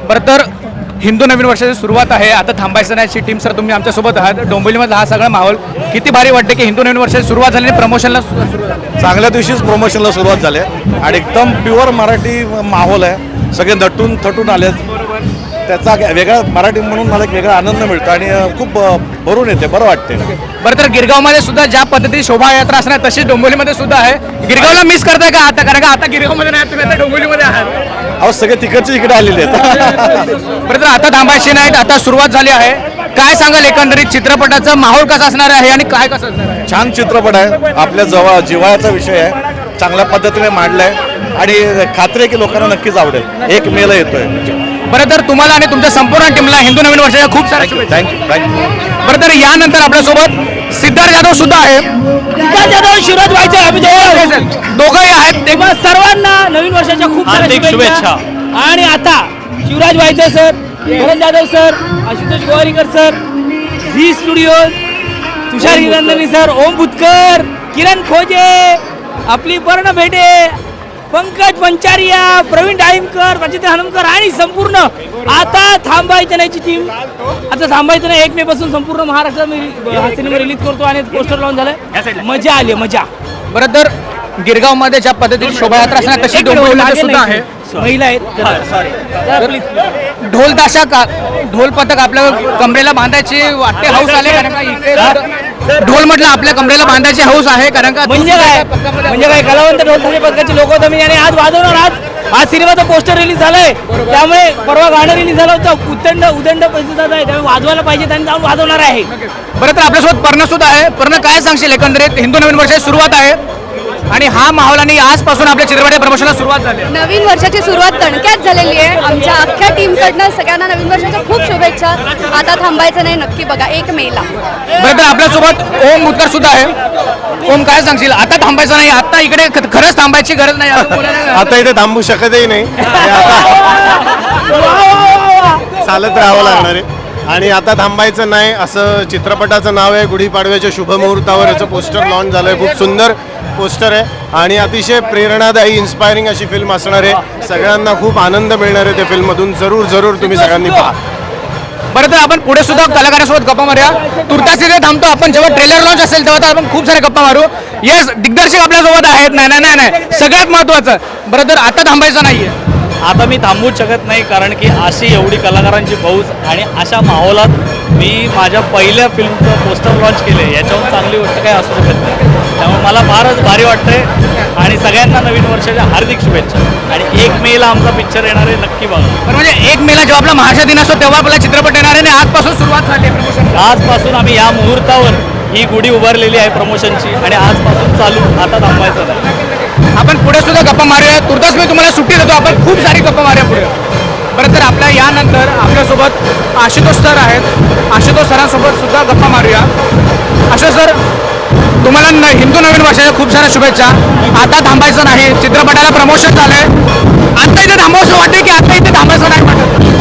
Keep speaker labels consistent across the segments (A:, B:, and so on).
A: बरं तर हिंदू नवीन वर्षाची सुरुवात आहे. आता थांबायचं नाही टीम सर, तुम्ही आमच्यासोबत आहात. डोंबिवलीमधला हा सगळा माहोल किती भारी वाटते की हिंदू नवीन वर्षाची सुरुवात झाली आणि प्रमोशनला सुरुवात झाली.
B: चांगल्या दिवशीच प्रमोशनला सुरुवात झाली आहे आणि एकदम प्युअर मराठी माहोल आहे. सगळे नटून थटून आलेत. त्याचा वेगळा मराठी म्हणून मला एक वेगळा आनंद मिळतो आणि खूप भरून येते, बरं वाटते.
A: बरं तर गिरगावमध्ये सुद्धा ज्या पद्धतीने शोभायात्रा असणार तशीच डोंबिवलीमध्ये सुद्धा आहे. गिरगावला मिस करताय का आता, कारण का आता गिरगावमध्ये नाही, तुम्ही आता डोंबिवलीमध्ये आहात.
B: अहो सगळे तिकडचे इकडे आलेले आहेत.
A: बरं तर आता थांबायची नाहीत, आता सुरुवात झाली आहे. काय सांगाल एकंदरीत चित्रपटाचा माहोल कसा असणार आहे आणि काय कसं असणार आहे?
B: छान चित्रपट आहे. आपल्या जवळ जिव्हाळ्याचा विषय आहे. चांगल्या पद्धतीने मांडलाय आणि खात्री आहे की लोकांना नक्कीच आवडेल. 1 मेला येतोय.
A: बरं तर तुम्हाला आणि तुमच्या संपूर्ण टीमला हिंदू नवीन वर्षाच्या खूप साऱ्या शुभेच्छा.
B: थँक्यू.
A: बरं तर यानंतर आपल्यासोबत सिद्धार्थ जाधव सुद्धा आहे.
C: सिद्धार्थ जाधव, शिवराज व्हायचे आम्ही
A: दोघंही आहेत.
C: तेव्हा सर्वांना नवीन वर्षाच्या खूप साऱ्या शुभेच्छा. आणि आता शिवराज व्हायचे sir, Kiran Jadhav sir, Ashutosh Gowariker sir, Zee Studios, Tushar Hirandani sir, Om Bhutkar, Kiran Khoje, आपली पर्ण भेटे, पंकज पंचारिया, प्रवीण डाळिंबकर, रचिता हनुमकर आणि संपूर्ण आता थांबायचं नाहीची टीम. आता थांबायचं नाही 1 मे पासून संपूर्ण महाराष्ट्रात हा सिनेमा रिलीज करतो आणि पोस्टर लॉन्च झालंय. मजा आली, मजा.
A: बरं तर गिरगावमध्ये ज्या पद्धतीने शोभायात्रा असणार तशी डोंबिवलीमध्ये सुद्धा आहे.
C: महिला आहेत.
A: ढोल ताशा ढोल पथक आपल्या कमरेला बांधायची वाटते हौस आले, कारण का इथे ढोल म्हटलं आपल्या कमरेला बांधायची हौस आहे, कारण का
C: म्हणजे काय कलावंत ढोलताशे पथकाचे लोक होते मी आणि आज वाजवणार. आज सिनेमाचा पोस्टर रिलीज झालाय, त्यामुळे परवा गाणं रिलीज झालं होतं. उदंड प्रतिसाद आहे, त्यामुळे वाजवायला पाहिजे आणि जाऊन वाजवणार आहे.
A: बरं तर आपल्यासोबत पर्ण सुद्धा आहे. पर्ण काय सांगशील एकंदरीत हिंदू नवीन वर्षाची सुरुवात आहे आणि हा माहोल आणि आजपासून आपल्या चित्रपटाच्या प्रमोशनला सुरुवात झाली.
D: नवीन वर्षाची सुरुवात तणक्यात झालेली आहे. आमच्या अख्ख्या टीमकडनं सगळ्यांना नवीन वर्षाच्या खूप शुभेच्छा. आता थांबायचं नाही, नक्की बघा 1 मेला.
A: बरं तर आपल्यासोबत ओम भुतकर सुद्धा आहे. ओम काय सांगशील, आता थांबायचं नाही, आता इकडे खरंच थांबायची गरज नाही.
B: आता इथे थांबू शकतही नाही. चालत राहावं लागणार आहे आणि आता थांबायचं नाही असं चित्रपटाचं नाव आहे. गुढीपाडव्याच्या शुभमुहूर्तावर याचं पोस्टर लॉन्च झालं आहे. खूप सुंदर पोस्टर आहे आणि अतिशय प्रेरणादायी इन्स्पायरिंग अशी फिल्म असणार आहे. सगळ्यांना खूप आनंद मिळणार आहे त्या फिल्ममधून. जरूर तुम्ही सगळ्यांनी पहा.
A: बरं तर आपण पुढे सुद्धा कलाकारांसोबत गप्पा मारूया. तुर्तास इथे थांबतो आपण. जेव्हा ट्रेलर लॉन्च असेल तेव्हा आपण खूप सारे गप्पा मारू. येस, दिग्दर्शक आपल्यासोबत आहेत. नाही सगळ्यात महत्त्वाचं. बरं तर आता थांबायचं नाहीये.
E: आता मी थांबूच शकत नाही, कारण की अशी एवढी कलाकारांची फौज आणि अशा माहोलात मी माझ्या पहिल्या फिल्मचं पोस्टर लॉन्च केले. याच्याहून चांगली गोष्ट काही असू शकत नाही. त्यामुळे मला फारच भारी वाटतंय आणि सगळ्यांना नवीन वर्षाच्या हार्दिक शुभेच्छा. आणि 1 मेला आमचा पिक्चर येणार आहे, नक्की बघा.
A: पण म्हणजे 1 मेला जेव्हा आपला महाराष्ट्र दिन असतो तेव्हा आपला चित्रपट येणार आहे आणि आजपासून सुरुवात झाली आहे प्रमोशन.
E: आजपासून आम्ही या मुहूर्तावर ही गुढी उभारलेली आहे प्रमोशनची आणि आजपासून चालू. आता थांबायचं नाही.
A: आपण पुढे सुद्धा गप्पा मारूया. तुर्तास मी तुम्हाला सुट्टी देतो, आपण खूप सारी गप्पा मारूया पुढे. बरं तर आपल्या यानंतर आपल्यासोबत आशुतोष सर आहेत. आशुतोष सरांसोबत सुद्धा गप्पा मारूया. आशुतोष सर, तुम्हाला हिंदू नवीन वर्षाच्या खूप साऱ्या शुभेच्छा. आता थांबायचं नाही, चित्रपटाला प्रमोशन झालंय. आता इथे थांबावंसं वाटते की आता इथे थांबायचं नाही वाटत?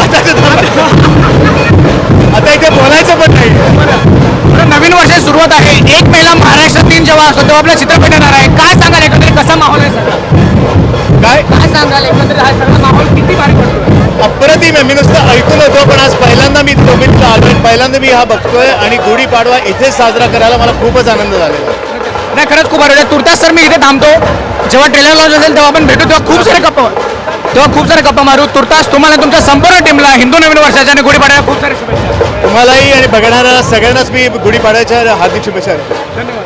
A: आता इथे बोलायचं पण नाही. बरं, नवीन वर्षाची सुरुवात आहे. 1 मेला महाराष्ट्र दिन जेव्हा असतो तेव्हा आपला चित्रपट येणार आहे. काय सांगाल एकंदरीत कसा माहोल आहे सगळा? काय सांगाल एकंदरीत हा सगळा माहोल किती भारी पडतो?
B: अप्रतिम आहे. मी नुसतं ऐकून होतो, पण आज पहिल्यांदा मी डोंबिवलीला आलोय. पहिल्यांदा मी हा बघतोय आणि गुढीपाडवा इथेच साजरा करायला मला खूपच आनंद झालेला.
A: नाही, खरंच खूप भारी. तुर्तास सर मी इथे थांबतो. जेव्हा ट्रेलर लॉन्च असेल तेव्हा आपण भेटू, तेव्हा खूप सारे गप्पा मारू. तुर्तास तुम्हाला तुमच्या संपूर्ण टीमला हिंदू नवीन वर्षाच्या आणि गुढीपाडव्याच्या खूप साऱ्या शुभेच्छा.
B: तुम्हालाही आणि बघणाऱ्या सगळ्यांनाच मी गुढीपाडव्याच्या हार्दिक शुभेच्छा.
A: धन्यवाद.